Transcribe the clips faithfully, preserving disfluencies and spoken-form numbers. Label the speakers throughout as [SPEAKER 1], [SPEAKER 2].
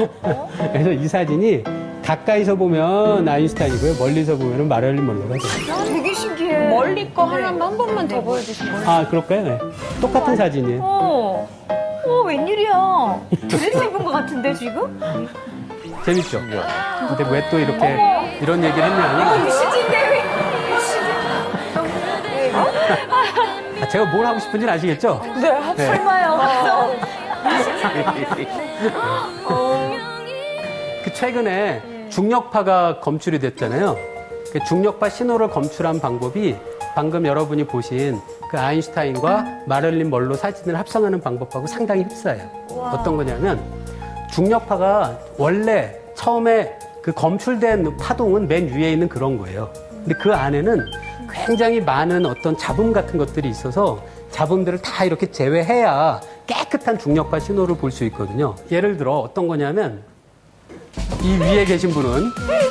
[SPEAKER 1] 그래서 이 사진이 가까이서 보면 아인슈타인이고요. 멀리서 보면 마릴린 먼로가 돼요.
[SPEAKER 2] 되게 신기해.
[SPEAKER 3] 멀리 거 하나만 한 번만 더 보여주시면.
[SPEAKER 1] 아, 그럴까요? 네. 똑같은 사진이에요.
[SPEAKER 2] 어. 어, 웬일이야. 드레스 입은 것 같은데, 지금?
[SPEAKER 1] 재밌죠? 근데 왜 또 이렇게 이런 얘기를 했냐면
[SPEAKER 2] 시진데, 왜?
[SPEAKER 1] 아, 제가 뭘 하고 싶은지는 아시겠죠?
[SPEAKER 2] 네,
[SPEAKER 1] 네.
[SPEAKER 2] 설마요.
[SPEAKER 1] 그 최근에 중력파가 검출이 됐잖아요. 그 중력파 신호를 검출한 방법이 방금 여러분이 보신 그 아인슈타인과 마릴린 먼로 사진을 합성하는 방법하고 상당히 흡사해요. 어떤 거냐면 중력파가 원래 처음에 그 검출된 파동은 맨 위에 있는 그런 거예요. 근데 그 안에는 굉장히 많은 어떤 잡음 같은 것들이 있어서 잡음들을 다 이렇게 제외해야 깨끗한 중력파 신호를 볼 수 있거든요. 예를 들어 어떤 거냐면 이 위에 계신 분은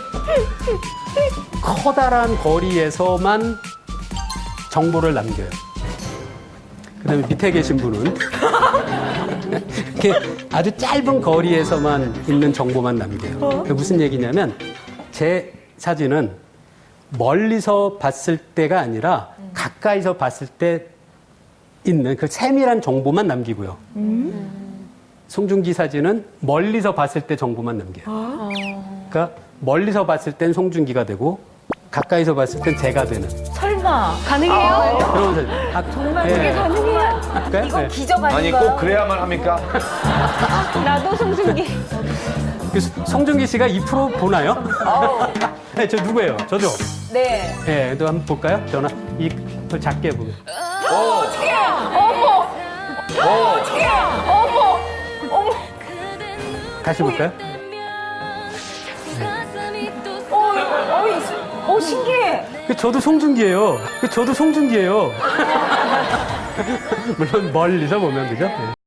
[SPEAKER 1] 커다란 거리에서만 정보를 남겨요. 그 다음에 밑에 계신 분은 이렇게 아주 짧은 거리에서만 있는 정보만 남겨요. 그게 무슨 얘기냐면 제 사진은 멀리서 봤을 때가 아니라 가까이서 봤을 때 있는 그 세밀한 정보만 남기고요. 송중기 사진은 멀리서 봤을 때 정보만 남겨요. 그러니까 멀리서 봤을 땐 송중기가 되고 가까이서 봤을 땐 제가 되는
[SPEAKER 2] 설마.
[SPEAKER 3] 가능해요?
[SPEAKER 1] 그런 사진. 아,
[SPEAKER 2] 정말
[SPEAKER 1] 예.
[SPEAKER 2] 그게 가능해요?
[SPEAKER 1] 볼까요?
[SPEAKER 2] 이건
[SPEAKER 1] 네.
[SPEAKER 2] 기적
[SPEAKER 4] 아니
[SPEAKER 2] 아닌가요?
[SPEAKER 4] 꼭 그래야만 합니까?
[SPEAKER 3] 나도 송중기.
[SPEAKER 1] 그 송중기 씨가 이 프로 보나요? 네, 저 누구예요? 저죠?
[SPEAKER 2] 네.
[SPEAKER 1] 예, 또 한번 볼까요? 전화 이걸 작게 보면.
[SPEAKER 2] 어떡해! 어머! 어떡해! 어머! 어머!
[SPEAKER 1] 다시 볼까요?
[SPEAKER 2] 어, 어, 이- 어, 신기해.
[SPEAKER 1] 그 저도 송중기예요. 그 저도 송중기예요. 물론 멀리서 보면 그죠? 네.